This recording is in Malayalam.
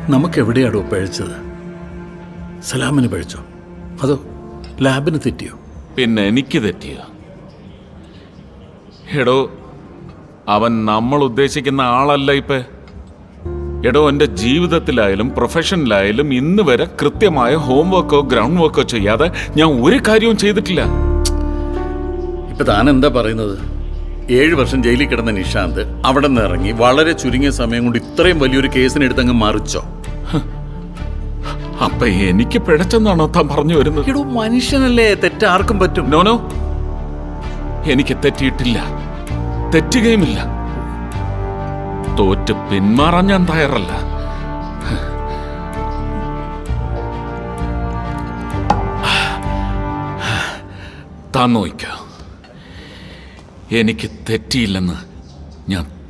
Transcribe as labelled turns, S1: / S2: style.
S1: നമുക്കെവിടെയാടോ പഴിച്ചത്? സലാമിന് പഴിച്ചോ അതോ ലാബിന് തെറ്റിയോ?
S2: പിന്നെ എനിക്ക് തെറ്റിയ? എടോ, അവൻ നമ്മൾ ഉദ്ദേശിക്കുന്ന ആളല്ല ഇപ്പൊ. എടോ, എൻ്റെ ജീവിതത്തിലായാലും പ്രൊഫഷനിലായാലും ഇന്ന് വരെ കൃത്യമായ ഹോംവർക്കോ ഗ്രൗണ്ട് വർക്കോ ചെയ്യാതെ ഞാൻ ഒരു കാര്യവും ചെയ്തിട്ടില്ല.
S1: ഇപ്പൊ താൻ എന്താ പറയുന്നത്? 7 വർഷം ജയിലിൽ കിടന്ന നിഷാന്ത് അവിടെ നിന്ന് ഇറങ്ങി വളരെ ചുരുങ്ങിയ സമയം കൊണ്ട് ഇത്രയും വലിയൊരു കേസിനെടുത്തങ്ങ് മറിച്ചോ?
S2: അപ്പൊ എനിക്ക് പിഴച്ചെന്നാണോ താൻ പറഞ്ഞു വരുന്നത്?
S1: എടോ, മനുഷ്യനല്ലേ, തെറ്റാർക്കും പറ്റും.
S2: നോനോ, എനിക്ക് തെറ്റിയിട്ടില്ല, തെറ്റുകയുമില്ല. തോറ്റ് പിന്മാറാൻ ഞാൻ തയ്യാറല്ല. താൻ നോയിക്കോ, എനിക്ക് തെറ്റിയില്ലെന്ന് ഞാൻ